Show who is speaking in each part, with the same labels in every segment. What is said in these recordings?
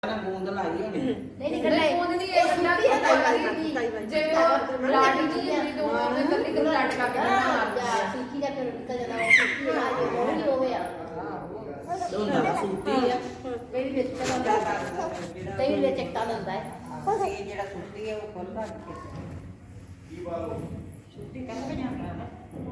Speaker 1: ਬੂੰਦ ਲਾਈ ਹੋਣੀ
Speaker 2: ਨਹੀਂ ਨਹੀਂ ਬੂੰਦ ਨਹੀਂ ਇਹ ਸਿੱਧਾ ਜੇ ਲਾਡੀ ਜੀ ਜਿਹੜੀ ਤੋਂ ਉਹਨੇ ਕੱਲੀ ਕੱਲੀ ਲੱਟ ਕਰਕੇ ਮਾਰਦਾ
Speaker 3: ਸਿੱਖੀ ਦਾ ਫਿਰ ਨਿਕਲ ਜਾਂਦਾ ਉਹ ਸਿੱਖੀ ਆ ਉਹ ਨਹੀਂ ਹੋਵੇ ਆ
Speaker 1: ਦੋਨਾਂ ਸੁੱਤੀ ਆ
Speaker 3: ਮੇਰੀ ਵਿੱਚ ਤਾਂ ਤੇ ਵਿੱਚ ਚਿੱਟਾ ਲੰਦਾ ਹੈ
Speaker 1: ਇਹ ਜਿਹੜਾ ਸੁੱਤੀ ਹੈ ਉਹ ਖੋਲਦਾ ਕੀ ਬਾਲੋ ਸੁੱਤੀ ਕਹਿੰਦਾ ਜਾਂਦਾ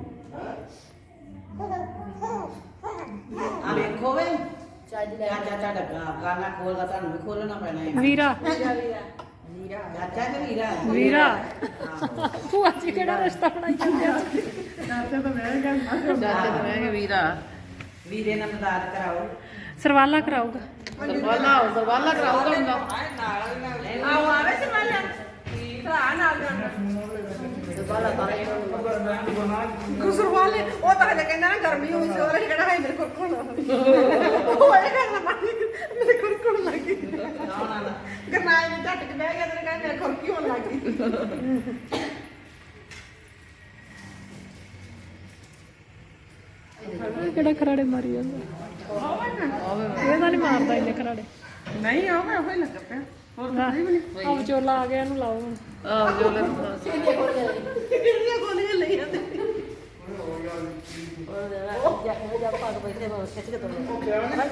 Speaker 1: ਆ ਵੇਖੋ ਵੇ
Speaker 3: ਚੱਜ ਲੈ
Speaker 1: ਚਾਚਾ ਗਾਣਾ ਖੋਲਦਾ ਤੁਹਾਨੂੰ ਵੀ ਖੋਲਣਾ ਪੈਣਾ ਹੈ
Speaker 4: ਵੀਰਾ
Speaker 1: ਚਾਚਾ ਤੇ ਵੀਰਾ
Speaker 4: ਵੀਰਾ ਭੂਆ ਜੀ ਕਿਹੜਾ ਰਿਸ਼ਤਾ ਬਣਾਈ ਜਾਂਦੇ ਆ ਚਾਚਾ ਤਾਂ ਮੈਂ ਗਿਆ ਵੀਰਾ
Speaker 1: ਵੀਰੇ ਨਾਲ ਮਦਦ ਕਰਾਓ
Speaker 4: ਸਰਵਾਲਾ ਕਰਾਊਗਾ
Speaker 2: ਸਰਵਾਲਾ ਕਰਾਉਂਦਾ ਹੁੰਦਾ
Speaker 1: ਆਓ ਆਵੇ ਸਰਵਾਲਾ ਭਰਾ ਨਾਲ
Speaker 2: ਸਰਵਾਲਾ ਤਾਰੇ
Speaker 5: ਗੁਸਰਵਾਲੇ ਉਹ ਤਾਂ ਹਲੇ ਕਹਿੰਦਾ ਨਾ ਗਰਮੀ ਹੋਈ ਸੀ ਉਹਨੇ ਕਹਿਣਾ ਹੈ ਮੇਰੇ ਕੋਲ ਕੋਣ ਉਹ ਇਹ ਕਰਨਾ ਪਾਣੀ ਮੇਰੇ ਕੋਲ ਕੋਣ ਲੱਗੀ ਗਰਨਾਏ ਨੇ ਝੱਟ ਕੇ ਬਹਿ ਗਿਆ ਤੇ ਕਹਿੰਦਾ ਮੇਰੇ ਕੋਲ ਕੀ ਹੋਣ ਲੱਗੀ
Speaker 4: ਕਿਹੜਾ ਖਰਾੜੇ ਮਾਰੀ ਜਾਂਦਾ ਇਹ ਤਾਂ ਨਹੀਂ ਮਾਰਦਾ ਇਹਨੇ ਖਰਾੜੇ
Speaker 5: ਨਹੀਂ ਆਵੇ ਉਹ ਹੀ ਲੱਗ ਪਿਆ
Speaker 4: ਆ ਵਿਚੋਲਾ ਆ ਗਿਆ ਇਹਨੂੰ ਲਾਓ ਹੁਣ
Speaker 5: ਕਿੰਨੀਆਂ ਗੋਲੀਆਂ ਲਈ ਜਾਂਦੇ
Speaker 3: ਉਹ ਜਾ ਭਾਗ ਬੈਠੇ ਮੈਂ ਖਿੱਚ ਕੇ ਤੋੜ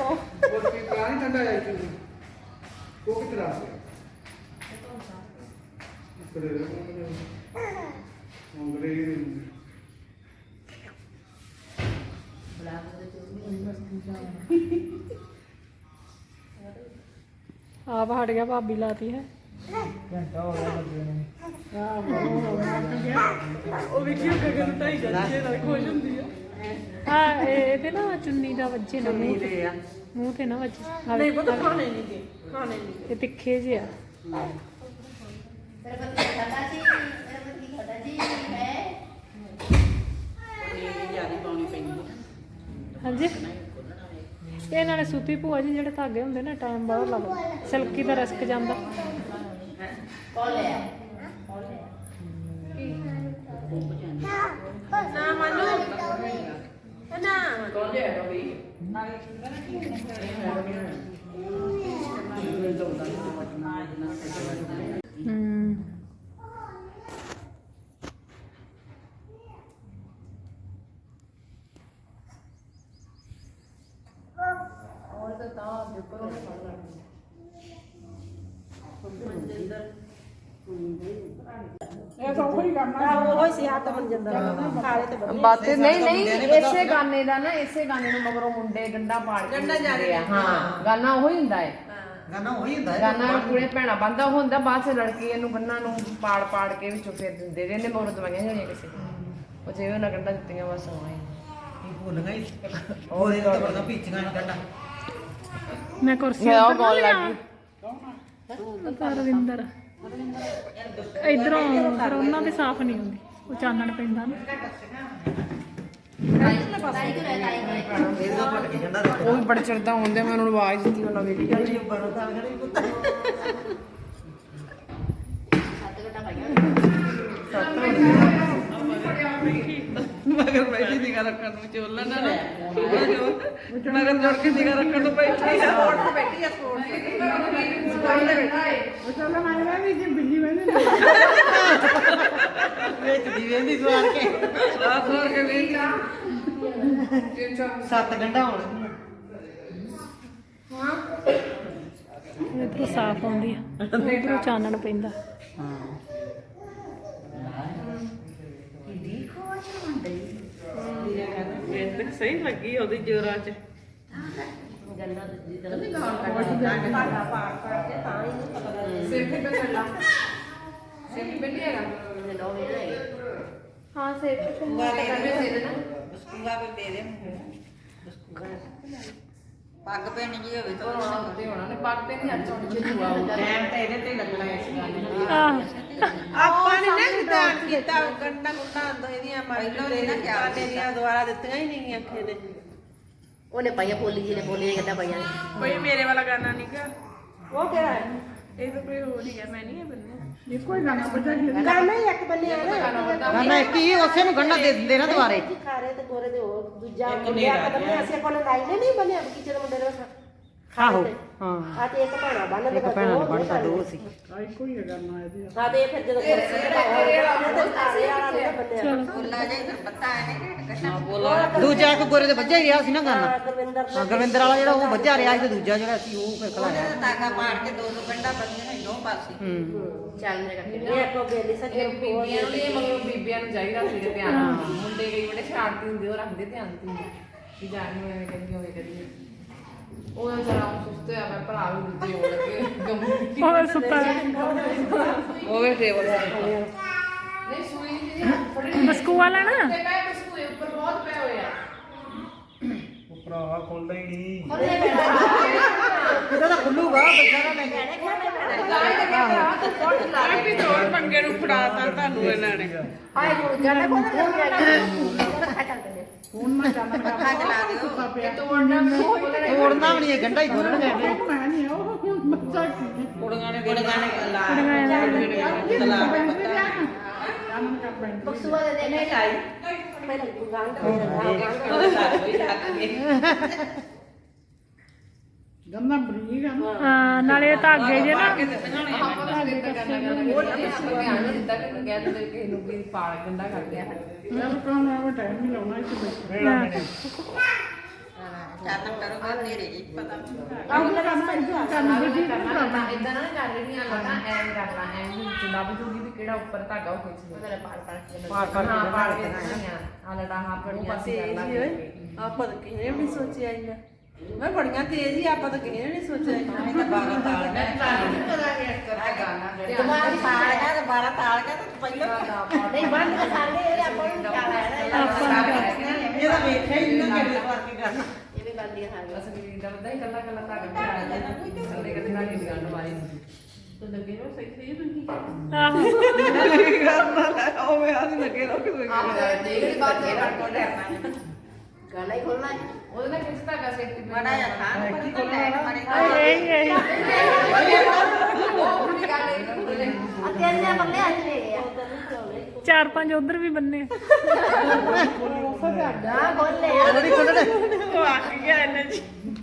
Speaker 4: ਆਪ ਹਟ ਗਿਆ ਭਾਬੀ ਲਾਤੀ ਹੈ
Speaker 5: ਉਹ ਵੇਖਿਓ ਗਗਨ ਢਾਈ ਜਾਂਦੀ ਨਾਲ ਖੁਸ਼ ਹੁੰਦੀ ਆ
Speaker 4: ਹਾਂ ਇਹ ਤੇ ਨਾ ਚੁੰਨੀ ਦਾ ਵੱਜੇ ਨਾ ਮੂੰਹ ਤੇ ਮੂੰਹ ਤੇ ਨਾ ਵੱਜੇ
Speaker 5: ਨਹੀਂ ਪਤਾ ਖਾਣੇ ਨਹੀਂ ਗਏ ਖਾਣੇ ਨਹੀਂ
Speaker 4: ਇਹ ਤਿੱਖੇ ਜਿਹੇ ਆ
Speaker 3: ਤੇਰਾ ਪਤੀ ਖਾਦਾ ਸੀ ਤੇਰਾ ਪਤੀ ਖਾਦਾ ਜੀ ਹੈ
Speaker 1: ਇਹ ਜਿਆਦਾ ਪਾਉਣੀ ਪੈਂਦੀ
Speaker 4: ਹਾਂਜੀ ਇਹ ਨਾਲੇ ਸੂਤੀ ਭੂਆ ਜੀ ਜਿਹੜੇ ਧਾਗੇ ਹੁੰਦੇ ਨਾ ਟਾਈਮ ਬਹੁਤ ਲੱਗਦਾ ਸਿਲਕੀ ਦਾ ਰਸਕ ਜਾਂਦਾ
Speaker 3: ਕੋਲ ਲੈ
Speaker 5: ਨਾ ਮੰਨੂ ਨਾ
Speaker 2: ਕੌਣ ਜਾਏਗਾ ਬਈ और तो ता देखो ना पड़
Speaker 5: ਇਹ ਤਾਂ ਉਹੀ ਕਰਨਾ ਉਹ ਹੀ ਸੀ ਹੱਥ ਬਣ ਜਾਂਦਾ ਖਾਲੇ ਤੇ ਬੰਦੇ
Speaker 2: ਬਾਤੇ ਨਹੀਂ ਨਹੀਂ ਇਸੇ ਗਾਣੇ ਦਾ ਨਾ ਇਸੇ ਗਾਣੇ ਨੂੰ ਮਗਰੋਂ ਮੁੰਡੇ ਗੰਡਾ ਪਾੜ ਕੇ ਗੰਡਾ ਜਾ ਰਿਹਾ ਹਾਂ ਗਾਣਾ ਉਹੀ ਹੁੰਦਾ ਹੈ
Speaker 1: ਗਾਣਾ ਉਹੀ ਹੁੰਦਾ ਹੈ
Speaker 2: ਗਾਣਾ ਪੂਰੇ ਭੈਣਾ ਬੰਦਾ ਹੁੰਦਾ ਬਾਅਦ ਚ ਲੜਕੀ ਇਹਨੂੰ ਬੰਨਾਂ ਨੂੰ ਪਾੜ ਪਾੜ ਕੇ ਵਿੱਚੋਂ ਫੇਰ ਦਿੰਦੇ ਰਹਿੰਦੇ ਮਗਰੋਂ ਦਵਾਈਆਂ ਹੋਣੀਆਂ ਕਿਸੇ ਉਹ ਜਿਵੇਂ ਉਹਨਾਂ ਗੰਡਾ ਦਿੱਤੀਆਂ ਬਸ ਹੋਏ
Speaker 1: ਇਹ ਭੁੱਲ ਗਈ ਹੋਰ ਇਹ ਤਾਂ ਬੜਾ ਪੀਚੀਆਂ ਨਹੀਂ ਕੱਢਾ
Speaker 4: ਮੈਂ ਕੁਰਸੀ
Speaker 2: ਮੈਂ ਉਹ ਗਾਉਣ ਲੱਗ ਗਈ
Speaker 4: ਰਵਿੰਦਰ ਇਧਰੋਂ ਫਿਰ ਉਹਨਾਂ ਦੇ ਸਾਫ਼ ਨਹੀਂ ਹੁੰਦੀ ਉਹ ਚਾਨਣ ਪੈਂਦਾ ਨਾ
Speaker 2: ਉਹ ਵੀ ਬੜਾ ਚੜਦਾ ਹੁੰਦੇ ਮੈਂ ਉਹਨਾਂ ਨੂੰ ਆਵਾਜ਼ ਦਿੱਤੀ ਉਹਨਾਂ ਵੇਖ ਕੇ
Speaker 5: ਮਗਰ ਬੈਠੀ ਨਿਗਾ ਰੱਖਣ ਨੂੰ ਚੋਲਣ ਨਾ ਮਗਰ ਜੋੜ ਕੇ ਨਿਗਾ ਰੱਖਣ ਨੂੰ ਬੈਠੀ ਆ ਰੋਡ ਤੇ ਬੈਠੀ ਆ ਸਪੋਰਟ ਉਹ ਚੋਲਾ ਮਾਰਵਾ ਵੀ ਜੇ ਬਿੱਲੀ ਵੇਂਦੇ
Speaker 1: ਵਿੱਚ ਦੀ ਵੇਂਦੀ ਸਵਾਰ ਕੇ
Speaker 5: ਸਵਾਰ ਕੇ ਵੇਂਦੀ
Speaker 1: ਸੱਤ ਗੰਢਾ ਹੋਣ
Speaker 4: ਇਧਰੋਂ ਸਾਫ਼ ਆਉਂਦੀ ਆ ਉਧਰੋਂ ਚਾਨਣ ਪੈਂਦਾ
Speaker 5: ਸਹੀ ਲੱਗੀ ਉਹਦੀ ਜੋਰਾਂ ਚ
Speaker 2: ਸੇਫਟੀ पे चलना सेफ्टी पे नहीं हैगा
Speaker 4: ਹਾਂ ਸੇਫ
Speaker 1: ਬਸਕੂਗਾ
Speaker 2: दे देना
Speaker 1: ਬਸਕੂਗਾ ਵੀ ਦੇ ਦੇ ਪੱਗ ਪੈਣੀ ਜੀ ਹੋਵੇ ਤਾਂ
Speaker 2: ਤੇ ਹੋਣਾ ਨੇ ਪੱਗ ਤੇ ਨਹੀਂ ਅੱਜ ਹੋਣੀ ਜੇ ਹੁਆ
Speaker 1: ਟਾਈਮ ਤਾਂ ਇਹਦੇ ਤੇ ਹੀ ਲੱਗਣਾ ਇਸ ਗਾਣੇ ਨੂੰ
Speaker 4: ਆਹ
Speaker 5: ਆਪਾਂ ਨੇ ਨਾ ਨਿਦਾਨ ਕੀਤਾ ਗੰਡਾ ਗੁੰਡਾ ਆਂਦਾ ਇਹਦੀਆਂ
Speaker 1: ਪਹਿਲਾਂ ਨੀ ਨਾ ਖਿਆਲ
Speaker 5: ਦੀਆਂ ਦੁਆਰਾ ਦਿੱਤੀਆਂ ਹੀ ਨਹੀਂ ਅੱਖੇ ਨੇ
Speaker 3: ਉਹਨੇ ਪਾਈਆਂ ਪੋਲੀ ਜੀ ਨੇ ਪੋਲੀ ਕਿੱਦਾਂ ਪਾਈਆਂ
Speaker 5: ਕੋਈ ਮੇਰੇ ਵਾਲਾ ਗਾਣਾ ਨਹੀਂ ਗਾ ਉਹ ਕਿਹੜਾ ਹੈ ਇਹ ਤਾਂ ਕੋਈ ਹੋਰ ਹੀ ਹੈ ਮੈਂ ਨਹੀਂ ਇਹ ਬੰਨਿਆ ਇਹ ਕੋਈ ਗਾਣਾ ਬਤਾ ਗਾਣਾ ਹੀ ਇੱਕ ਬੰਨਿਆ ਨਾ
Speaker 1: ਗਾਣਾ ਕੀ ਉਸੇ ਨੂੰ ਗੰਢਾ ਦੇ ਦਿੰਦੇ ਨਾ ਦੁਆਰੇ
Speaker 5: ਖਾਰੇ ਤੇ ਗੋਰੇ ਦੇ ਹੋਰ ਦੂਜਾ ਮੁੰਡਿਆ ਕਦਮ ਨੇ ਅਸੀਂ ਕੋਲ ਲਾਈਨੇ ਨਹੀਂ ਬੰਨਿਆ ਬਗੀਚੇ ਦੇ ਮੁੰਡੇ ਦੇ ਆਹੋ ਹਾਂ
Speaker 3: ਆ ਤੇ ਇੱਕ ਭੈਣਾ ਬੰਨ
Speaker 5: ਇੱਕ ਭੈਣਾਂ ਨੇ ਬਣਦਾ ਦੋ ਸੀ
Speaker 6: ਇੱਕੋ ਹੀ ਕਰਨਾ ਇਹਦੀ
Speaker 3: ਆ ਤੇ ਫਿਰ ਜਦੋਂ
Speaker 1: ਬੋਲਾ ਜਾਈ ਫਿਰ ਪਤਾ ਹੈ
Speaker 5: ਦੂਜਾ ਇੱਕ ਗੋਰੇ ਦੇ ਵੱਜਿਆ ਹੀ ਰਿਹਾ ਸੀ ਨਾ ਗਾਨਾ
Speaker 3: ਗੁਰਵਿੰਦਰ
Speaker 5: ਹਾਂ ਗੁਰਵਿੰਦਰ ਵਾਲਾ ਜਿਹੜਾ ਉਹ ਵੱਜਿਆ ਰਿਹਾ ਸੀ ਤੇ ਦੂਜਾ ਜਿਹੜਾ ਸੀ ਉਹ ਫਿਰ ਖਲਾਇਆ
Speaker 1: ਤਾਗਾ ਮਾਰ ਕੇ ਦੋ ਗੰਡਾ ਬੰਦੀਆਂ ਨੇ ਦੋ ਪਾਸੇ
Speaker 2: ਚੱਲ ਜੇਗਾ
Speaker 3: ਇਹ ਕੋ ਬੇਲੀ ਸਕੇ
Speaker 2: ਇਹ ਬੀਬੀਆਂ ਨੂੰ ਇਹ ਮਗਰੋਂ ਬੀਬੀਆਂ ਨੂੰ ਚਾਹੀਦਾ ਸੀ ਧਿਆਨ ਮੁੰਡੇ ਕਈ ਬੜੇ ਸ਼ਰਾਰਤੀ ਹੁੰਦੇ ਉਹ ਰੱਖਦੇ ਧਿਆਨ ਤੇ ਵੀ ਜਾਣ ਨੂੰ ਐਵੇਂ ਕਹਿੰਦੀ ਹੋਵੇ ਕਰੀਏ ਉਹ ਜਰਾ ਸੁਸਤੇ ਆ ਮੈਂ ਭਰਾ ਵੀ ਦੂਜੇ ਹੋ ਲੱਗੇ ਗੰਮੂ
Speaker 4: ਉਹ ਸੁੱਤਾ
Speaker 2: ਹੋਵੇ ਟੇਬਲ ਨਹੀਂ ਸੂਈ ਜੀ ਫੜੀ
Speaker 4: ਬਸਕੂਆ ਲੈਣਾ
Speaker 2: ਤੇ ਮੈਂ ਬਸਕੂਏ ਉੱਪਰ ਬਹੁਤ ਪਏ ਹੋਏ ਆ
Speaker 6: ਭਰਾਵਾ ਖੁੱਲਦਾ ਹੀ ਨਹੀਂ
Speaker 5: ਕਿਤੇ ਤਾਂ ਖੁੱਲੂਗਾ ਬੱਚਾ ਨਾ ਲੈ ਕੇ
Speaker 2: ਪੰਗੇ ਨੂੰ ਫੜਾਤਾ ਤੁਹਾਨੂੰ ਇਹਨਾਂ ਨੇ
Speaker 3: ਹਾਏ ਗੁਰੂ ਜਾਨੇ ਕੋਲ
Speaker 6: ਫੋਨ ਨਾ ਚੱਲਣਾ
Speaker 1: ਪੱਖਾ ਚਲਾ ਦਿਓ
Speaker 2: ਤੋੜਨਾ
Speaker 5: ਤੋੜਨਾ ਵੀ ਨਹੀਂ ਇਹ ਗੰਢਾ ਹੀ ਖੋਲਣਗੇ ਐਵੇਂ
Speaker 6: ਮੈਂ ਨਹੀਂ ਉਹ ਹੁਣ ਬੱਚਾ ਕੀ
Speaker 1: ਕੁੜੀਆਂ ਨੇ ਲਾ ਤਲਾ
Speaker 3: ਬਕਸੂਆ ਦੇ ਦੇ
Speaker 1: ਨਹੀਂ ਲਾਈ
Speaker 3: ਪਹਿਲਾਂ ਗਾਂਗ
Speaker 6: ਗੰਨਾ ਬਰੀਕ ਆ ਨਾ
Speaker 4: ਹਾਂ ਨਾਲੇ ਇਹ ਧਾਗੇ ਜੇ ਨਾ
Speaker 2: ਆਪਾਂ ਨੂੰ ਸਵੇਰ ਕਰਨਾ ਉਹ ਧਿਆਨ ਨਹੀਂ ਦਿੱਤਾ ਕਿ ਕਹਿ ਦਿੰਦੇ ਕਿਸੇ ਨੂੰ ਵੀ ਪਾਲ ਗੰਡਾ ਕਰਦੇ ਆ
Speaker 6: ਯਾਰ ਕਾਹਨੂੰ ਐਵੇਂ ਟਾਈਮ ਨਹੀਂ ਲਾਉਣਾ ਇੱਥੇ ਬੈਠੇ
Speaker 1: ਚਾਤਮ ਕਰੋਗਾ ਤੇਰੇ ਜੀ ਪਤਾ
Speaker 6: ਆਹ ਕਰਨਾ ਇੱਥੇ ਕਰਨਾ ਜੀ
Speaker 2: ਇਦਾਂ ਨਾ ਕਰ ਰਹੀਆਂ ਲਗਾ ਐਂ ਕਰਨਾ ਐਂ ਜਿੰਦਾ ਬਜੂਗੀ ਵੀ ਕਿਹੜਾ ਉੱਪਰ ਧਾਗਾ ਉਹ ਖਿੱਚ ਲੈ ਪਾੜ ਹਾਂ ਪਾੜ ਕੇ ਰੱਖਣੀਆਂ ਆ ਲੜਾ ਹਾਂ ਪੜੀਆਂ ਸੀ
Speaker 5: ਆਪਾਂ ਤਾਂ ਕਿਸੇ ਵੀ ਸੋਚਿਆ ਹੀ ਨਾ ਮੈਂ ਬੜੀਆਂ ਤੇਜ਼ ਹੀ ਆਪਾਂ ਤਾਂ ਕਿਸੇ ਨਹੀਂ ਸੋਚਿਆ
Speaker 1: ਨਹੀਂ ਤਾਂ 12 ਤਾਲ
Speaker 2: ਮੈਂ ਤੁਹਾਨੂੰ ਨਹੀਂ ਪਤਾ ਕਿ ਕਰਦਾ ਗਾਣਾ
Speaker 1: ਦਿਮਾਗ ਤਾਲ ਗਿਆ ਤੇ 12 ਤਾਲ ਗਿਆ ਤੇ ਪਹਿਲਾਂ
Speaker 3: ਨਹੀਂ ਬੰਦ ਕੇ ਸਾਰੇ ਇਹ ਆਪਾਂ ਨੂੰ ਚਾਹ ਹੈ
Speaker 5: ਇਹਦਾ ਵੇਖਿਆ ਹੀ ਨਹੀਂ ਕਿਹੜੇ ਵਾਰ ਕੀ ਕਰਨਾ
Speaker 3: ਇਹ ਵੀ ਗੱਲ ਦੀ ਹਾਂ
Speaker 2: ਅਸਲੀ ਦਾ ਬੰਦਾ ਹੀ ਕੱਲਾ ਕੱਲਾ ਧਾਗਾ ਪਿਆ ਜਾਂਦਾ ਕੱਲੇ ਕੱਲੇ ਧਾਗੇ ਦੀ ਗੱਲ ਵਾਲੀ ਤਾਂ ਲੱਗੇ ਨਾ ਸਹੀ ਸਹੀ ਤੁਸੀਂ
Speaker 4: ਆਹੋ
Speaker 5: ਉਹ ਮੈਂ ਆਦੀ ਲੱਗੇ ਰੋ ਕੇ
Speaker 2: ਆਪ ਜਿਹੜੀ ਬਾਤ ਹੈ ਕੋਲ
Speaker 3: ਗਾਣਾ ਹੀ ਖੋਲਣਾ ਹੈ
Speaker 2: ਉਹਦੇ ਨਾਲ ਕਿਸ ਧਾਗਾ ਸੇਫਟੀ
Speaker 1: ਬੜਾ ਜਿਹਾ ਖਾਣ ਪਰ ਲੈ ਮਾਰੇ
Speaker 4: ਇਹ
Speaker 2: ਉਹ ਵੀ ਗੱਲ ਇਹ ਖੁੱਲੇ
Speaker 3: ਆ ਤੇਰੇ ਨੇ ਬੰਦੇ ਅੱਜ ਲੈ ਆ
Speaker 4: ਚਾਰ ਪੰਜ ਉਧਰ ਵੀ ਬੰਨੇ
Speaker 3: ਨਾ ਬੋਲੇ ਆ
Speaker 5: ਬੜੀ ਖੁੱਲਣੇ ਉਹ ਆਖ ਗਿਆ ਇਹਨੇ ਜੀ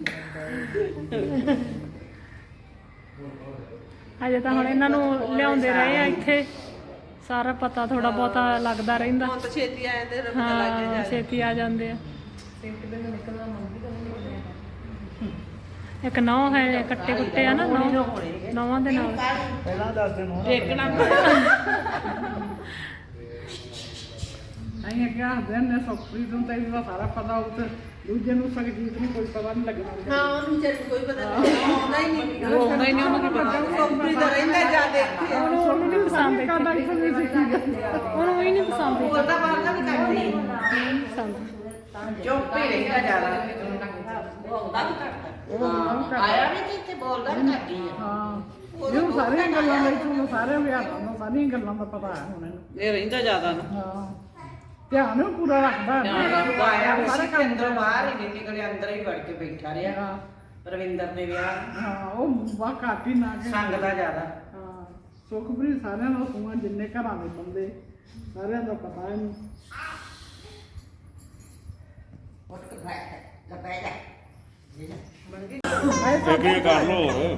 Speaker 4: ਅਜੇ ਤਾਂ ਹੁਣ ਇਹਨਾਂ ਨੂੰ ਲਿਆਉਂਦੇ ਰਹੇ ਆ ਇੱਥੇ ਸਾਰਾ ਪਤਾ ਥੋੜਾ ਬਹੁਤਾ ਲੱਗਦਾ ਰਹਿੰਦਾ
Speaker 5: ਹੁਣ ਤਾਂ ਛੇਤੀ ਆਏ ਤੇ ਰਬ ਲੱਗ
Speaker 4: ਹਾਂ
Speaker 5: ਜਾ
Speaker 4: ਛੇਤੀ ਆ ਜਾਂਦੇ ਆ
Speaker 2: ਸੇਫਟੀ ਦੇ ਨਿਕਲਣਾ ਮੰਗੀ ਤਾਂ ਨਹੀਂ
Speaker 4: ਇੱਕ ਨੌ ਹੈ ਕੱਟੇ ਕੁੱਟੇ ਆ ਨਾ ਨੌਵਾਂ ਦੇ ਨਾਲ
Speaker 6: ਪਹਿਲਾਂ ਦੱਸ ਦਿਨ ਹੋਣਾ
Speaker 5: ਦੇਖਣਾ
Speaker 6: ਅਸੀਂ ਅੱਗੇ ਹੱਸਦੇ ਨੇ ਸੁਖਪ੍ਰੀਤ ਨੂੰ ਤਾਂ ਇਹਦਾ ਸਾਰਾ ਪਤਾ ਉਹ ਤੇ ਦੂਜੇ ਨੂੰ ਸੰਗੀਤ ਨੂੰ ਕੋਈ ਪਤਾ ਨਹੀਂ ਲੱਗਣਾ
Speaker 5: ਹਾਂ ਉਹਨੂੰ ਚੱਲ ਕੋਈ ਪਤਾ ਨਹੀਂ ਆਉਂਦਾ ਹੀ ਨਹੀਂ ਆਉਂਦਾ ਹੀ ਨਹੀਂ ਉਹਨੂੰ ਕੀ ਪਤਾ ਕੰਪਨੀ ਦਾ ਰਹਿੰਦਾ ਜਾ ਦੇਖੀ
Speaker 4: ਉਹਨੂੰ ਨਹੀਂ ਪਸੰਦ ਇੱਥੇ ਉਹਨੂੰ ਹੀ ਨਹੀਂ ਪਸੰਦ ਇੱਥੇ।
Speaker 5: ਉਹਦਾ ਬਾਹਰ ਦਾ ਵੀ ਕਰਦੀ
Speaker 4: ਨਹੀਂ ਪਸੰਦ
Speaker 1: ਚੁੱਪ ਹੀ ਰਹਿੰਦਾ ਜ਼ਿਆਦਾ ਉਹ ਆਉਂਦਾ ਵੀ ਘੱਟ ਆਇਆ ਵੀ ਤੇ ਇੱਥੇ ਬੋਲਦਾ ਵੀ ਘੱਟ ਹੀ ਆ
Speaker 6: ਹਾਂ ਇਹ ਸਾਰੀਆਂ ਗੱਲਾਂ ਲਈ ਤੁਹਾਨੂੰ ਸਾਰੇ ਵਿਹਾਰਾਂ ਦਾ ਸਾਰੀਆਂ ਗੱਲਾਂ ਦਾ ਪਤਾ ਹੈ ਹੁਣ ਇਹਨੂੰ
Speaker 5: ਇਹ ਰਹਿੰਦਾ ਜ਼ਿਆਦਾ ਨਾ
Speaker 6: ਹਾਂ ਧਿਆਨ ਉਹ ਪੂਰਾ ਰੱਖਦਾ ਹੈ
Speaker 1: ਆਇਆ ਵੀ ਸੀ ਕਿ ਅੰਦਰੋਂ ਬਾਹਰ ਹੀ ਨਹੀਂ ਨਿਕਲਿਆ ਅੰਦਰ ਹੀ ਵੜ ਕੇ ਬੈਠਾ ਰਿਹਾ
Speaker 6: ਹਾਂ
Speaker 1: ਰਵਿੰਦਰ ਦੇ ਵਿਆਹ
Speaker 6: ਹਾਂ ਉਹ ਵਾ ਕਾਪੀ ਨਾ ਕੇ
Speaker 1: ਸੰਗ ਦਾ ਜ਼ਿਆਦਾ
Speaker 6: ਹਾਂ ਸੁਖਪ੍ਰੀਤ ਸਾਰਿਆਂ ਨੂੰ ਸੂਆਂ ਜਿੰਨੇ ਘਰਾਂ ਦੇ ਬੰਦੇ ਸਾਰਿਆਂ ਦਾ ਪਤਾ ਇਹਨੂੰ
Speaker 1: ਉੱਠ ਕੇ ਬੈਠ ਲੈ ਜਾ
Speaker 7: ਅੱਗੇ ਕਰ ਲੋ ਹੋਰ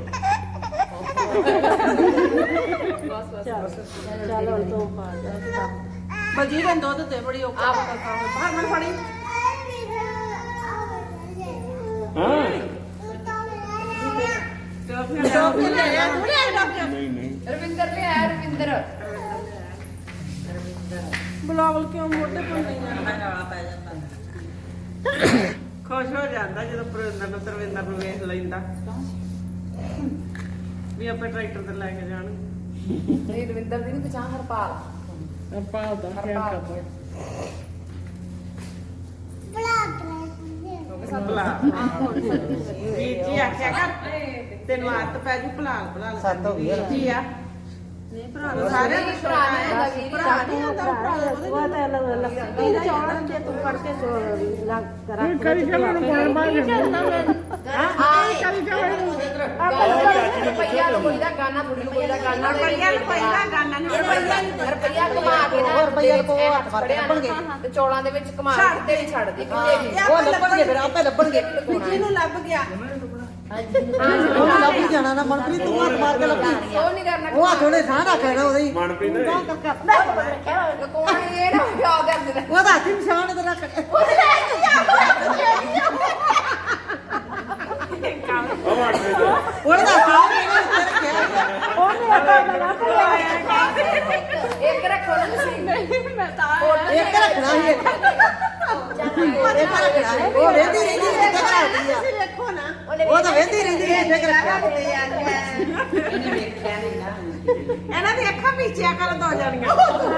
Speaker 3: ਚੱਲ ਹੁਣ ਤੋਂ ਪਾ ਜਾ
Speaker 5: ਬਲਜੀਤ ਨੇ ਦੁੱਧ ਤੇ ਬੜੀ ਔਖਾ ਬਾਹਰ ਮਨ ਫੜੀ
Speaker 7: ਹਾਂ
Speaker 5: ਟੋਪੀ ਲੈ ਆ ਤੂੰ ਲੈ ਟੋਪੀ
Speaker 7: ਨਹੀਂ ਨਹੀਂ
Speaker 2: ਰਵਿੰਦਰ ਲੈ ਆਇਆ ਰਵਿੰਦਰ
Speaker 5: ਬੁਲਾਵਲ ਕਿਉਂ ਮੋਢੇ ਪਰ ਨਹੀਂ
Speaker 1: ਮੈਂ ਜਾਣਾ ਪੈ ਜਾਂਦਾ
Speaker 5: ਖੁਸ਼ ਹੋ ਜਾਂਦਾ ਜਦੋਂ ਤਰਵਿੰਦਰ ਨੂੰ ਵੇਖ ਲੈਂਦਾ ਵੀ ਆਪੇ ਟਰੈਕਟਰ ਤੇ ਲੈ ਕੇ ਜਾਣ
Speaker 2: ਨਹੀਂ ਰਵਿੰਦਰ ਦੀ ਨਹੀਂ ਪਛਾਣ ਹਰਪਾਲ
Speaker 6: ਆਪਾਂ ਦਾ ਕੀ ਕਰਦਾ
Speaker 5: ਭਲਾ ਵੀਰ ਜੀ ਆਖਿਆ ਕਰ ਤੈਨੂੰ ਆਦਤ ਪੈ ਜੂ ਭਲਾ
Speaker 1: ਸੱਤ ਹੋ ਗਈ ਆ।
Speaker 5: ਜੀ ਆ ਨਹੀਂ ਭਰਾ ਸਾਰੇ ਭਰਾ ਨਹੀਂ ਆਉਂਦਾ ਭਰਾ ਉਹਦੇ
Speaker 3: ਉਹ ਤਾਂ ਲੱਗੀ ਚੌੜਨ ਤੇ ਤੂੰ ਫੜ ਕੇ ਲੱਗ ਕਰਾ
Speaker 6: ਇਹ ਕਰੀ ਕੇ ਮੈਨੂੰ ਬਾਹਰ ਬਾਹਰ
Speaker 2: ਰੁਪਈਆ ਕੋਈ ਦਾ ਗਾਣਾ ਥੋੜੀ ਕੋਈ ਦਾ ਗਾਣਾ
Speaker 5: ਰੁਪਈਆ ਪਹਿਲਾਂ ਗਾਣਾ ਨਹੀਂ
Speaker 2: ਰੁਪਈਆ ਕਮਾ ਕੇ ਨਾ ਰੁਪਈਆ ਕੋ ਹੱਥ ਫੜ ਲੱਭਣਗੇ ਤੇ ਚੌਲਾਂ ਦੇ ਵਿੱਚ ਕਮਾ ਕੇ ਤੇ ਵੀ ਛੱਡ ਦੇ ਕਿਤੇ ਵੀ
Speaker 5: ਉਹ ਲੱਭਣਗੇ ਫਿਰ ਆਪੇ ਲੱਭਣਗੇ ਜਿਹਨੂੰ ਲੱਭ ਗਿਆ ਉਹ ਲੱਭ ਹੀ ਜਾਣਾ ਨਾ ਮਨਪ੍ਰੀਤ ਤੂੰ ਹੱਥ ਮਾਰ ਕੇ ਲੱਭੀ
Speaker 2: ਉਹ ਨਹੀਂ ਕਰਨਾ
Speaker 5: ਉਹ ਹੱਥ ਉਹਨੇ ਸਾਹ ਰੱਖ ਲੈਣਾ ਉਹਦੇ ਹੀ
Speaker 7: ਮਨਪ੍ਰੀਤ ਨੇ
Speaker 2: ਕੋਣ ਇਹ ਨਾ ਕਿਆ ਕਰਦੇ ਨੇ
Speaker 5: ਉਹਦਾ ਹੱਥ ਹੀ ਨਿਸ਼ਾਨ ਤੇ ਰੱਖ
Speaker 7: ਉਹ ਮਨਪ੍ਰੀਤ
Speaker 5: ਉਹਦਾ ਸਾਹ ਇਹਨੇ ਉੱਤੇ ਰੱਖਿਆ
Speaker 2: ਇੱਕ ਰੱਖੋ ਨਾ ਤੁਸੀਂ
Speaker 3: ਮੈਂ ਤਾਂ
Speaker 5: ਇੱਕ ਰੱਖਣਾ ਸੀ ਇੱਕ ਰੱਖਣਾ ਸੀ ਉਹ ਵੇਂਦੀ ਰਹਿੰਦੀ ਕਿੱਥੇ ਰੱਖਦੀ ਆ
Speaker 3: ਦੇਖੋ ਨਾ
Speaker 5: ਉਹ ਤਾਂ ਵੇਂਦੀ ਰਹਿੰਦੀ ਕਿੱਥੇ ਰੱਖਿਆ
Speaker 1: ਇਹਨੇ ਵੇਖਿਆ ਨਹੀਂ ਨਾ
Speaker 5: ਇਹਨਾਂ ਦੀ ਅੱਖਾਂ ਪੀਚਿਆ ਕਰ ਦੋ ਜਾਣੀਆਂ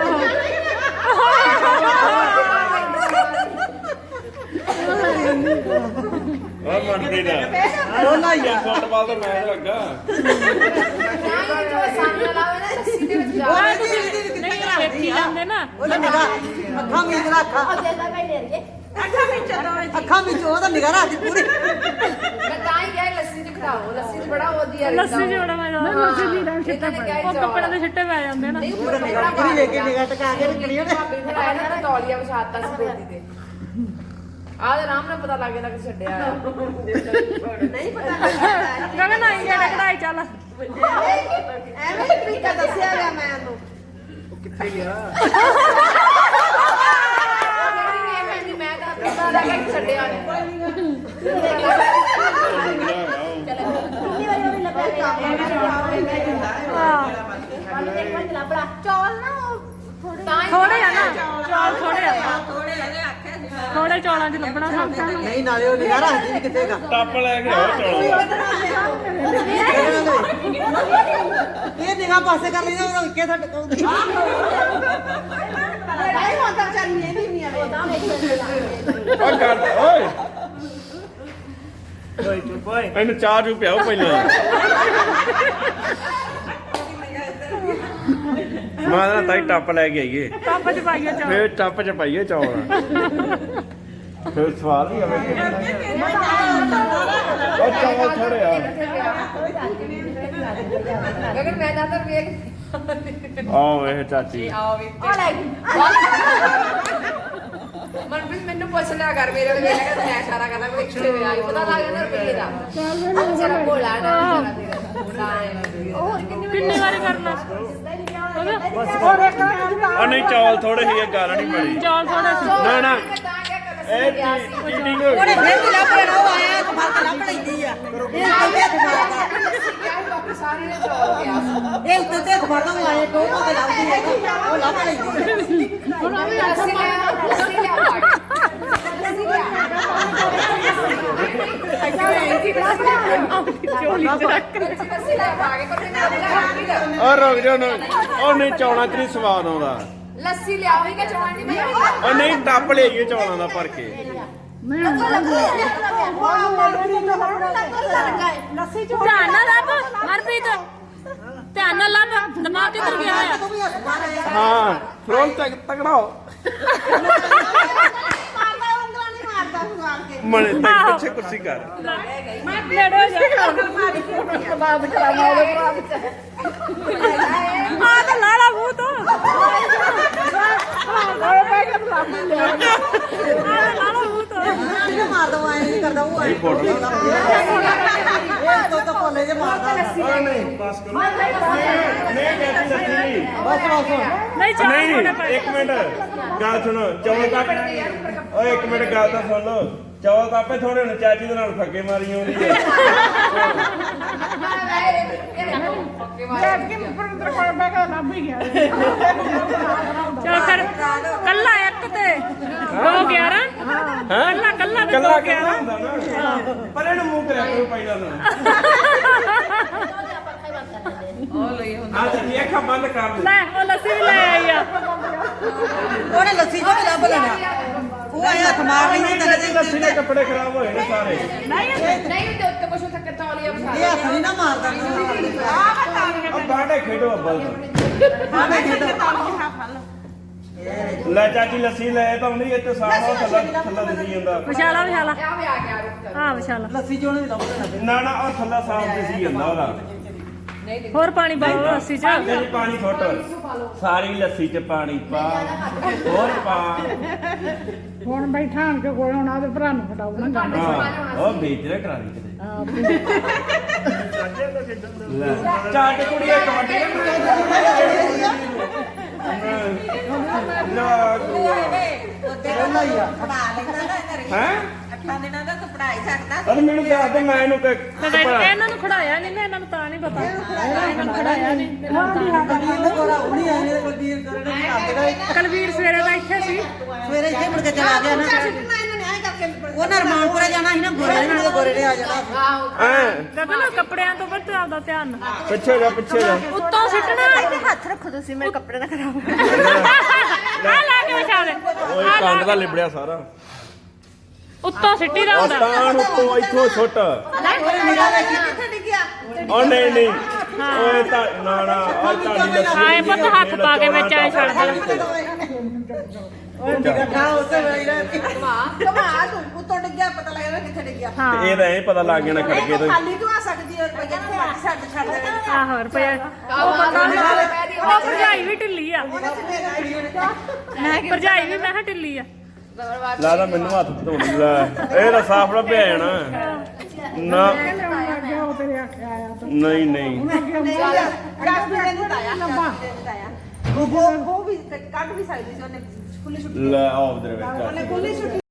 Speaker 7: ਉਹ ਮਨਪ੍ਰੀਤ
Speaker 5: ਰੋਲਾ ਹੀ ਆ
Speaker 7: ਫੁੱਟਬਾਲ ਦਾ ਮੈਚ ਲੱਗਾ
Speaker 2: ਨਹੀਂ ਜੋ ਸਾਹਮਣੇ ਲਾਵੇ ਨਾ ਲੱਸੀ ਦੇ ਵਿੱਚ
Speaker 5: ਉਹ
Speaker 2: ਜਾ
Speaker 5: ਵੇਂਦੀ ਰਹਿੰਦੀ ਕਿੱਥੇ
Speaker 4: ਨਹੀਂ
Speaker 5: ਰੱਖਦੀ
Speaker 4: ਵੇਖੀ
Speaker 5: ਆ
Speaker 4: ਜਾਂਦੇ ਨਾ
Speaker 5: ਉਹਦਾ ਨਿਗਾਹ ਅੱਖਾਂ ਵਿੱਚ ਰੱਖਾ
Speaker 3: ਉਹ ਜੇਲਾ ਕਾ ਲੈ ਰਹੀਏ
Speaker 5: ਅੱਖਾਂ ਵਿੱਚ ਉਹਦਾ ਨਿਗਾਹ ਰੱਖਦੀ ਪੂਰੀ
Speaker 2: ਮੈਂ ਤਾਂ ਹੀ ਕਿਹਾ ਲੱਸੀ ਚ ਖੜਾਓ ਲੱਸੀ ਚ ਬੜਾ ਵਧੀਆ ਰਹਿੰਦਾ
Speaker 4: ਲੱਸੀ ਜਿਹੜਾ ਮੈਂ ਲੱਸੀ ਦੀ ਰੰਗ ਛਿੱਟੇ ਉਹ ਕੱਪੜੇ ਦੇ ਛਿੱਟੇ ਪੈ ਜਾਂਦੇ ਨਾ
Speaker 2: ਨਹੀਂ
Speaker 5: ਉਹਦਾ ਨਿਗਾਹ ਪੂਰੀ ਲੈ ਕੇ ਨਿਗਾਹ ਟਕਾ ਕੇ ਰੱਖਣੀ ਉਹਨੇ
Speaker 2: ਭਾਬੀ ਫਿਰ ਆਇਆ ਨਾ ਤੌਲੀਆ ਵਿਛਾਤਾ ਸੀ ਬੇਟੀ ਤੇ ਆਹ ਤੇ ਆਰਾਮ ਨਾਲ ਪਤਾ ਲੱਗ ਜਾਂਦਾ ਕਿ ਛੱਡਿਆ
Speaker 3: ਨਹੀਂ ਪਤਾ ਲੱਗਦਾ
Speaker 4: ਗਗਨ ਆਈ ਗਿਆ ਕਢਾਈ ਚੱਲ
Speaker 3: ਐਵੇਂ ਤਰੀਕਾ ਦੱਸਿਆ ਗਿਆ ਮੈਂ ਉਹਨੂੰ
Speaker 7: ਕਿੱਥੇ ਗਿਆ
Speaker 2: ਮੈਂ ਤਾਂ ਪਤਾ ਲੱਗਾ ਕਿ ਛੱਡਿਆ ਨੇ
Speaker 3: ਕਿੰਨੀ ਵਾਰੀ ਉਹਨੇ ਲੱਭਿਆ ਚੌਲ ਨਾ
Speaker 4: ਥੋੜੇ ਆ ਨਾ ਚੌਲ ਥੋੜੇ ਆ ਥੋੜੇ ਚੌਲਾਂ 'ਚ ਲੱਭਣਾ ਸੌਖਾ
Speaker 5: ਨਹੀਂ ਨਾਲੇ ਉਹ ਨਿਗਾਹ ਰੱਖਦੀ ਵੀ ਕਿੱਥੇ ਗਾ
Speaker 7: ਟੱਪ ਲੈ ਕੇ ਆਓ ਚਲੋ
Speaker 5: ਇਹ ਨਿਗਾਹ ਪਾਸੇ ਕਰ ਲੈਂਦਾ ਉਹ ਇੱਕੇ ਥੱਟ ਕਹੂਗੀ
Speaker 3: ਲੜਾਈ ਹੁੰਦਾ ਵਿਚਾਰੀ ਨੇ ਨਹੀਂ ਆਵੇ ਉਹਦਾ
Speaker 7: ਓਏ ਕਰ ਓਏ ਓਏ ਚੁੱਪ ਓਏ ਇਹਨੂੰ ਚਾਹ ਚੂ ਪਿਆਓ ਪਹਿਲਾਂ ਮੈਂ ਨਾ ਤਾਈ ਟੱਪ ਲੈ ਕੇ ਆਈਏ
Speaker 4: ਟੱਪ 'ਚ ਪਾਈਏ ਚੌਲ
Speaker 7: ਫੇਰ ਟੱਪ ਚ ਪਾਈਏ ਚੌਲ ਫਿਰ ਸਵਾਲ ਹੀ ਆਵੇ ਉਹ ਚੌਲ ਥੋੜੇ ਆ
Speaker 2: ਅਗਰ ਮੈਂ ਨਾ ਤਾਂ ਵੇਖ
Speaker 7: ਆਓ ਇਹ ਚਾਚੀ
Speaker 2: ਆਓ ਵੀ ਮਨਪ੍ਰੀਤ ਮੈਨੂੰ ਪੁੱਛ ਲਿਆ ਕਰ ਮੇਰੇ ਕੋਲ ਵੇਖ ਕੇ ਮੈਂ ਇਸ਼ਾਰਾ ਕਰਦਾ ਕੋਈ ਕਿੱਥੇ ਵੇ ਆਈ ਪਤਾ ਲੱਗ ਜਾਂਦਾ ਰੁਪਏ ਦਾ ਜਰਾ ਭੋਲਾ ਨਾ
Speaker 4: ਕਿੰਨੀ ਵਾਰੀ ਕਰਨਾ
Speaker 7: ਉਹ ਨਹੀਂ ਚੌਲ ਥੋੜੇ ਹੀ ਇਹ ਗੱਲ ਨਹੀਂ ਬਣੀ
Speaker 4: ਚੌਲ ਥੋੜੇ ਸੀ
Speaker 7: ਨਾ ਨਾ ਇਹ ਚੀਟਿੰਗ ਹੋ ਗਈ
Speaker 5: ਫਿਰ ਵੀ ਲੱਭ ਲੈਣਾ ਉਹ ਆਇਆ ਤਾਂ ਫਰਕ ਲੱਭ ਲੈਂਦੀ ਆ ਇਹ ਉੱਤੇ ਹੱਥ ਮਾਰਦਾ
Speaker 2: ਸਾਰੇ ਨੇ ਚੌਲ ਗਿਆ
Speaker 5: ਇਹ ਉੱਤੇ ਹੱਥ ਮਾਰਦਾ ਉਹ ਆਇਆ ਟੋਕ ਕੇ ਲੱਭਦੀ ਹੈ ਉਹ ਲੱਭ ਲੈਂਦੀ ਆ
Speaker 4: ਹੁਣ ਉਹ ਵੀ
Speaker 2: ਲੱਸੀ ਲਿਆ
Speaker 4: ਚੋਲੀ 'ਚ ਰੱਖ
Speaker 2: ਲੱਸੀ ਲਿਆ ਪਾ ਕੇ ਕੋਈ
Speaker 7: ਉਹ ਰੁਕ ਜਾ ਨਾ ਉਹ ਨਹੀਂ ਚੌਲਾਂ 'ਚ ਨਹੀਂ ਸਵਾਦ ਆਉਂਦਾ
Speaker 2: ਲੱਸੀ ਲਿਆਓ ਹੀ ਕਿ ਚੌਲ ਨਹੀਂ ਮੈਂ
Speaker 7: ਉਹ ਨਹੀਂ ਟੱਪ ਲਈਏ ਚੌਲਾਂ ਦਾ ਭਰ ਕੇ
Speaker 3: ਲੱਸੀ
Speaker 4: ਧਿਆਨ ਨਾਲ ਲੱਭ ਹਰਪ੍ਰੀਤ ਧਿਆਨ ਨਾਲ ਲੱਭ ਦਿਮਾਗ ਕਿੱਧਰ ਗਿਆ ਹੋਇਆ
Speaker 5: ਤੂੰ ਵੀ ਹੱਥ ਮਾਰਿਆ
Speaker 7: ਹਾਂ ਫਰੋਨ ਤਗੜਾ ਹੋ
Speaker 3: ਮਾਰਦਾ ਉਂਗਲਾਂ ਨਹੀਂ ਮਾਰਦਾ ਸੁਆਲ ਕੇ
Speaker 7: ਮਣੇ ਤੇ ਪਿੱਛੇ ਕੁਰਸੀ ਕਰ
Speaker 4: ਮੈਂ ਨੇੜੇ ਜਾ
Speaker 3: ਬਾਬ ਚਲਾ ਮਾਰਦਾ ਭਰਾ ਵਿੱਚ
Speaker 4: ਆ ਤਾਂ ਲਾਲਾ ਮੂੰਹ ਤੋਂ ਲਾਲਾ ਮੂੰਹ ਤੋਂ
Speaker 5: ਇਹ ਮਾਰਦਾ ਉਹ ਐਂ ਨਹੀਂ ਕਰਦਾ ਉਹ ਐਂ
Speaker 7: ਫੋਟੋ
Speaker 5: ਇਹ ਤਾਂ ਕੋਲੇ ਜੇ ਮਾਰਦਾ
Speaker 7: ਉਹ ਨਹੀਂ ਬਸ ਕਰੋ ਨਹੀਂ ਕਹਿੰਦੀ ਲੱਸੀ
Speaker 5: ਬਸ ਬਸ
Speaker 4: ਨਹੀਂ ਚੌਲ
Speaker 7: ਨਹੀਂ
Speaker 4: ਥੋੜੇ
Speaker 7: ਨਹੀਂ
Speaker 4: ਪਏ
Speaker 7: ਇੱਕ ਮਿੰਟ ਗੱਲ ਸੁਣੋ ਚੌਲ ਤਾਂ ਓਏ ਇੱਕ ਮਿੰਟ ਗੱਲ ਤਾਂ ਸੁਣ ਲਓ ਚੌਲ ਤਾਂ ਆਪੇ ਥੋੜੇ ਹੁਣ ਚਾਚੀ ਦੇ ਨਾਲ ਫੱਕੇ ਮਾਰੀ ਆਉਂਦੀ ਹੈ
Speaker 4: ਚਲ ਫਿਰ ਕੱਲਾ ਇੱਕ ਤੇ 211 ਕੱਲਾ ਕੱਲਾ ਤੇ
Speaker 7: ਕੱਲਾ
Speaker 4: 211
Speaker 7: ਕਿਹੜਾ ਹੁੰਦਾ ਨਾ ਪਰ ਇਹਨੂੰ ਮੂੰਹ ਕਰਿਆ ਕਰੋ ਪਹਿਲਾਂ ਨੂੰ ਆ ਤੇ ਅੱਖਾਂ ਬੰਦ ਕਰ ਲੈ
Speaker 4: ਲੈ ਉਹ ਲੱਸੀ ਵੀ ਲੈ ਆਈ ਆ
Speaker 5: ਉਹਨੇ ਲੱਸੀ ਜੋ ਲੱਭ ਲੈਣਾ ਉਹ ਆਇਆ ਹੱਥ ਮਾਰ ਲੈਂਦੀ ਤੇਰੇ ਦੇ
Speaker 7: ਲੱਸੀ ਦੇ ਕੱਪੜੇ ਖਰਾਬ ਹੋਏ ਨੇ ਸਾਰੇ
Speaker 2: ਨਹੀਂ ਤੇ ਉੱਤੇ ਕੁਛ ਉੱਤੇ ਤੌਲੀਆ ਵਿਛਾ
Speaker 5: ਇਹ ਹੱਥ ਨਹੀਂ ਨਾ ਮਾਰਦਾ
Speaker 7: ਆ ਬਾਡੇ ਖੇਡੋ ਅੱਬਲ
Speaker 5: ਆਵੇਂ ਖੇਡੋ
Speaker 7: ਲੈ ਚਾਚੀ ਲੱਸੀ ਲੈ ਤਾਂ ਨਹੀਂ ਇੱਥੇ ਸਾਫ ਥੱਲਾ ਥੱਲਾ ਦਿਸੀ ਜਾਂਦਾ
Speaker 4: ਵਿਸ਼ਾਲਾ ਵਿਸ਼ਾਲਾ
Speaker 2: ਆ ਵੀ ਆ ਗਿਆ ਰੁਕ
Speaker 4: ਹਾਂ ਵਿਸ਼ਾਲਾ
Speaker 5: ਲੱਸੀ ਜੋ ਨਹੀਂ ਲੱਭ ਲੈਣਾ
Speaker 7: ਨਾ ਨਾ ਉਹ ਥੱਲਾ ਸਾਫ ਦਿਸੀ ਜਾਂਦਾ ਉਹਦਾ
Speaker 2: ਨਹੀਂ
Speaker 4: ਹੋਰ ਪਾਣੀ ਪਾਓ ਲੱਸੀ 'ਚ
Speaker 7: ਨਹੀਂ ਪਾਣੀ ਫੁੱਟ ਸਾਰੀ ਲੱਸੀ 'ਚ ਪਾਣੀ ਪਾ ਹੋਰ ਪਾ
Speaker 6: ਹੁਣ ਬੈਠਾ ਆਣ ਕੇ ਕੋਲ ਹੁਣ ਆਦੇ ਭਰਾ ਨੂੰ ਫਟਾਉਣਾ
Speaker 7: ਹਾਂ ਉਹ ਵੇਚ ਰਿਹਾ ਕਰਾ ਦੀ ਕਿਤੇ ਚਾਟ ਕੁੜੀ ਇੱਕ ਵੱਡੀ ਹੈ
Speaker 1: ਅੱਠਾਂ ਦਿਨਾਂ ਦਾ ਤਾਂ ਪੜਾਈ ਸਕਦਾ
Speaker 7: ਅਰੇ ਮੈਨੂੰ ਦੱਸ ਦੇ ਮੈਂ ਇਹਨੂੰ
Speaker 4: ਤੇ ਇਹਨਾਂ ਨੂੰ ਖੜਾਇਆ ਨਹੀਂ ਨਾ ਇਹਨਾਂ ਨੂੰ ਤਾਂ ਨਹੀਂ ਪਤਾ ਇਹਨਾਂ ਨੂੰ ਖੜਾਇਆ ਨਹੀਂ ਕਲਵੀਰ ਸਵੇਰੇ ਦਾ ਇੱਥੇ ਸੀ
Speaker 5: ਸਵੇਰੇ ਇੱਥੇ ਮੁੜ ਕੇ ਚਲਾ ਗਿਆ ਨਾ ਉਹਨਾਂ ਰਮਾਨਪੁਰੇ ਜਾਣਾ ਸੀ ਨਾ ਗੋਰੇ ਨਾਲ ਤੇ ਗੋਰੇ ਨੇ ਆ ਜਾਣਾ
Speaker 7: ਐ
Speaker 4: ਗਗਨ ਕੱਪੜਿਆਂ ਤੋਂ ਵੱਧ ਆਪਦਾ ਧਿਆਨ
Speaker 7: ਪਿੱਛੇ ਜਾ ਪਿੱਛੇ ਜਾ
Speaker 4: ਉੱਤੋਂ ਸਿੱਟਣਾ
Speaker 5: ਹੱਥ ਰੱਖੋ ਤੁਸੀਂ ਮੇਰੇ ਕੱਪੜੇ ਨਾ ਖਰਾਬ
Speaker 4: ਆ ਲਾ ਕੇ ਵਿਛਾ ਦੇ
Speaker 7: ਓਏ ਕੰਡ ਦਾ ਲਿਬੜਿਆ ਸਾਰਾ
Speaker 4: ਉੱਤੋਂ ਸਿੱਟੀ ਦਾ ਹੁੰਦਾ
Speaker 7: ਆਸਤਾਨ ਉੱਤੋਂ ਇੱਥੋਂ ਛੁੱਟ
Speaker 5: ਕਿੱਥੇ ਡਿੱਗਿਆ
Speaker 7: ਓ ਨਹੀਂ ਨਹੀਂ ਓਏ ਤਾਂ ਨਾ ਨਾ ਆ ਤੁਹਾਡੀ ਲੱਸੀ
Speaker 4: ਆਏ ਪੁੱਤ ਹੱਥ ਪਾ ਕੇ ਵਿੱਚ ਐ ਛੱਡ ਦੇ
Speaker 5: ਕਮਾ ਤੂੰ ਉੱਤੋਂ ਡਿੱਗਿਆ ਪਤਾ ਲੱਗਦਾ ਕਿੱਥੇ ਡਿੱਗਿਆ
Speaker 4: ਹਾਂ
Speaker 7: ਇਹ ਤਾਂ ਐਂ ਪਤਾ ਲੱਗ ਜਾਣਾ ਖੜਕੇ ਤੋਂ
Speaker 5: ਖਾਲੀ ਤੂੰ ਆ ਸਕਦੀ ਹੈ ਰੁਪਈਆ ਨੂੰ ਬਾਕੀ ਛੱਡ ਦੇਵੇ
Speaker 4: ਆਹੋ ਰੁਪਇਆ ਉਹ ਭਰਜਾਈ ਵੀ ਢਿੱਲੀ ਆ ਭਰਜਾਈ ਵੀ ਮੈਂ ਕਿਹਾ ਢਿੱਲੀ ਆ
Speaker 7: ਲਾਦਾ ਮੈਨੂੰ ਹੱਥ ਧੋਣ ਲੈ ਇਹ ਤਾਂ ਸਾਫ ਲੱਭਿਆ ਜਾਣਾ ਨਾ ਨਹੀਂ ਨਹੀਂ
Speaker 5: ਉਹ ਵੀ ਕੱਢ ਵੀ ਸਕਦੀ ਸੀ ਉਹਨੇ ਖੁੱਲੀ ਛੁੱਟੀ
Speaker 7: ਲੈ ਆਓ ਉਧਰ ਵਿੱਚ
Speaker 5: ਉਹਨੇ ਖੁੱਲੀ ਛੁੱਟੀ